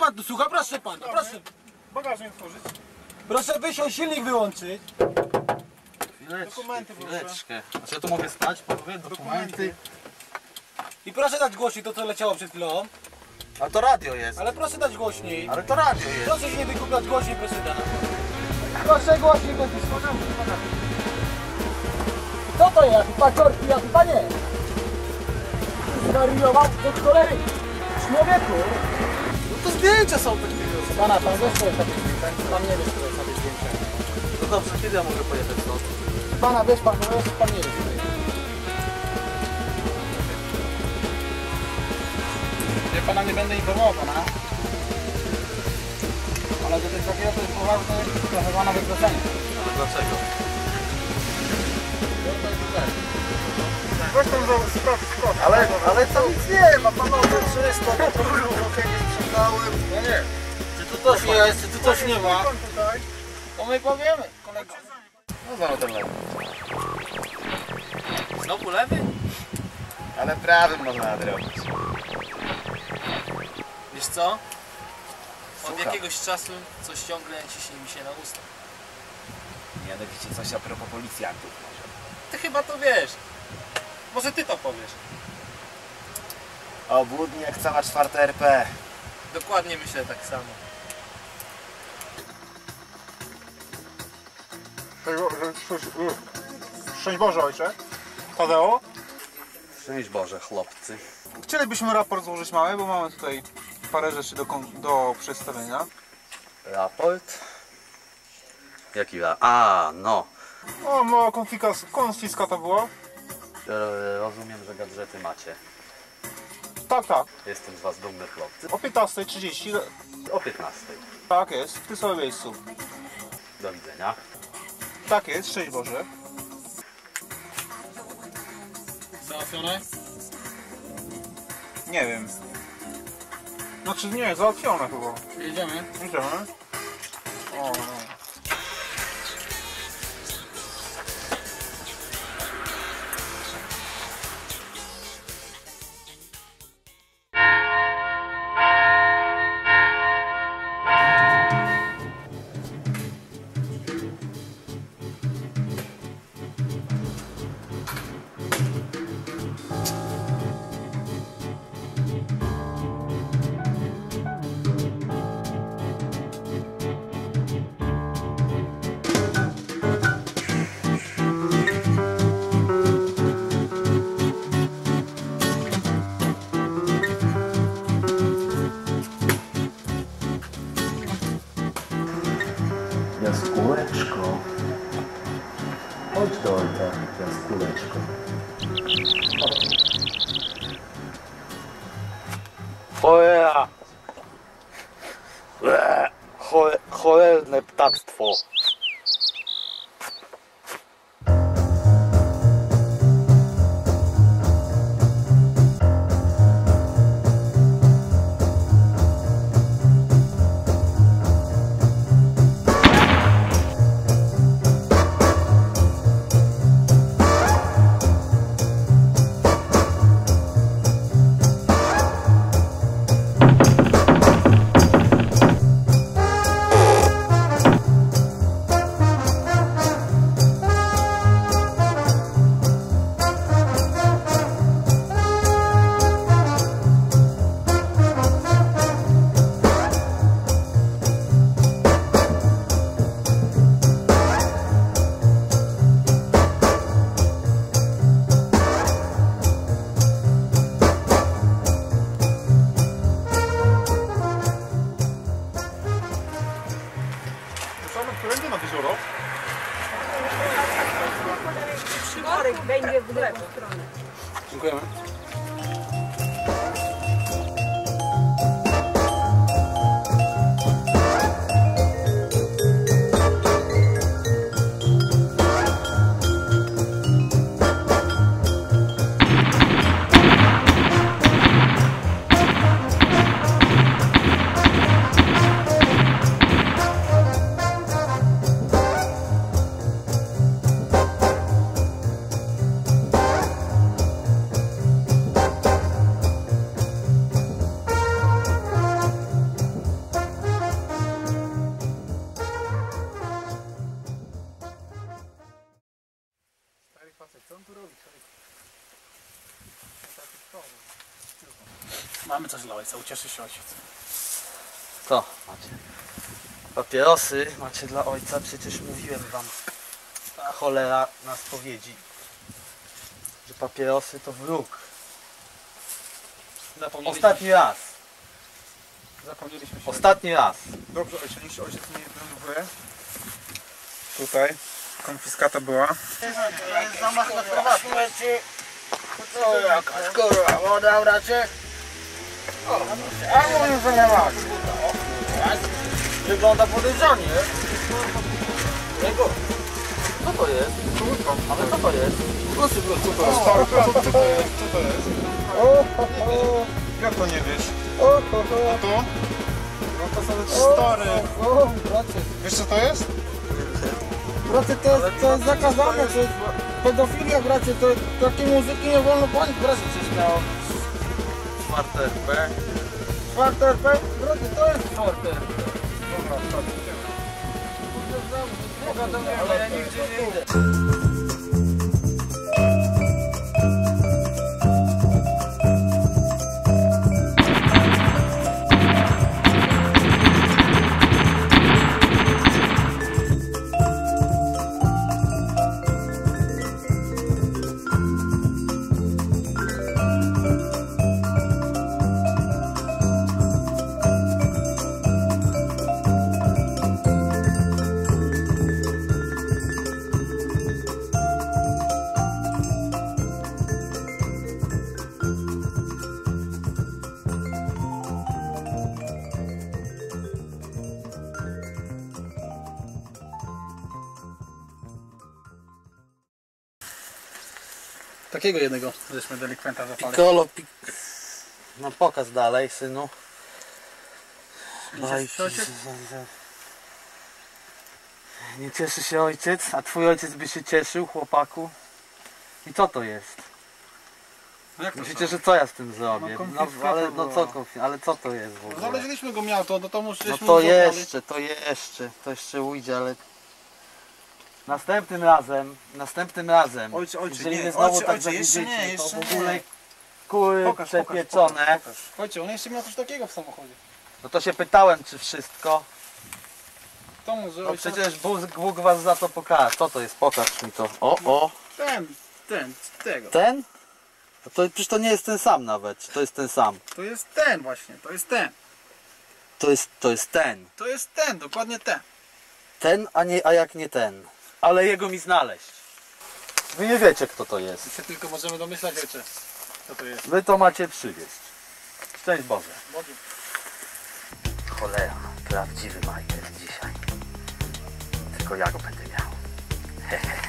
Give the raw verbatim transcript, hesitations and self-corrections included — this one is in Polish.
pan tu słucha? Proszę pana, proszę. Bagażnik otworzyć. Proszę wysiąść, silnik wyłączyć. Chwileczkę, Dokumenty, proszę. chwileczkę. Znaczy ja tu mogę stać, panowie, dokumenty. I proszę dać głośniej to, co leciało przed chwilą. A to radio jest. Ale proszę dać głośniej. Ale to radio jest. Proszę się nie wykupiać głośniej, proszę pana. Proszę głośniej, głośniej. Co to jest? Paciorki, ja chyba nie. Zwariował do cholery. Człowieku. No to zdjęcia są takie. Pana, pan wiesz, co jest takie zdjęcia? Pan nie wie, co jest takie zdjęcia. No dobrze, kiedy ja mogę pojechać stąd? Pana, wiesz pan, no jest pan nie wie, co to jest. Ja pana nie będę informował pana. Ale do tego takiego to jest poważne, trochę pana wykroczenie. Ale dlaczego? Weź tam za sprawdź, sprawdź. Ale, ale to nic nie ma, panowie, czysto, no to było, jakieś przydałem. No nie. Czy tu coś jest, czy tu coś nie ma? Tutaj. To my powiemy, kolego. No znowu ten lewy. Znowu lewy? Ale prawym można nadrobić. Wiesz co? Od Słucham. jakiegoś czasu coś ciągle ciśnie mi się na usta. Mianowicie coś a propos policjantów może. Ty chyba to wiesz. Może ty to powiesz. Obłudnie jak cała czwarta R P. Dokładnie myślę tak samo. Szczęść Boże, ojcze. Tadeo. Szczęść Boże, chłopcy. Chcielibyśmy raport złożyć mały, bo mamy tutaj parę rzeczy do, do przedstawienia. Raport? Jaki ra... A, no. O, mała konfiskata była. E, Rozumiem, że gadżety macie. Tak, tak. Jestem z was dumny, chłopcy. O piętnastej trzydzieści. O piętnastej. Tak jest, w tym samym miejscu. Do widzenia. Tak jest, szczęść Boże. Załatwione? Nie wiem. Znaczy nie, załatwione chyba. Jedziemy. Idziemy. O, no. Jaskółeczko. Chodź do ojca, Jaskółeczko. Cholera! Chole, cholerne ptactwo. Mamy coś dla ojca, ucieszy się ojciec. Co macie? Papierosy macie dla ojca, przecież mówiłem wam. Ta cholera na spowiedzi, że papierosy to wróg. Zapomnieliśmy, Ostatni raz. zapomnieliśmy się. Ostatni raz. Dobrze, ojciec, niech się ojciec nie denerwuje. Tutaj konfiskata była. To jest zamach na prywatność. Co jakaś kurwa, woda bracie? A mówię, że nie ma. Wygląda podejrzanie. Jego. Co to jest? Ale co to jest? Proszę, co to jest? Stary, co, co to jest? Co to jest? O, ho, ho. Jak to nie wiesz? O, ho, ho. A to? No to sobie stary. O, bracie. Wiesz co to jest? Bracie, to jest, to jest zakazane, to jest pedofilia, bracie, to takiej muzyki nie wolno palić, bracie, coś miało. Czwarte R P. Czwarte R P? Bracie, to jest czwarte R P. Dobra, sorry. Pogadamy, ale ja nigdzie nie idę. Takiego jednego żeśmy delikwenta zapali. Piccolo, pik... No pokaż dalej, synu. Nie cieszy się ojciec? Nie cieszy się ojciec, a twój ojciec by się cieszył, chłopaku. I co to jest? No jak to Myślicie, co? że co ja z tym zrobię? No, No, konfiskata ale no co, była. konfi- ale co to jest w ogóle? Znaleźliśmy go miał, do domu No żeśmy to mu zabrali. jeszcze, to jeszcze, to jeszcze ujdzie, ale... Następnym razem, następnym razem, Ojcze, ojcze, jeżeli nie, mnie znowu ojcze, tak ojcze, jeszcze zawiedziecie, nie, to jeszcze w ogóle nie. kury Pokaż, pokaż, przepieczone, pokaż, pokaż. Chodźcie, on jeszcze miał coś takiego w samochodzie. no to się pytałem, czy wszystko. To mu, że No ojciec... przecież Bóg, Bóg was za to pokaże. Co to jest? Pokaż mi to. O, o. Ten, ten, tego. Ten? To, to przecież to nie jest ten sam nawet. Czy to jest ten sam? To jest ten właśnie, to jest ten. To jest, to jest ten. To jest ten, dokładnie ten. Ten, a, nie, a jak nie ten. Ale jego mi znaleźć. Wy nie wiecie, kto to jest. My się tylko możemy domyślać, ojcze, co to jest. Wy to macie przywieźć. Szczęść Boże. Bogu. Cholera, prawdziwy majster dzisiaj. Tylko ja go będę miał. Hehe.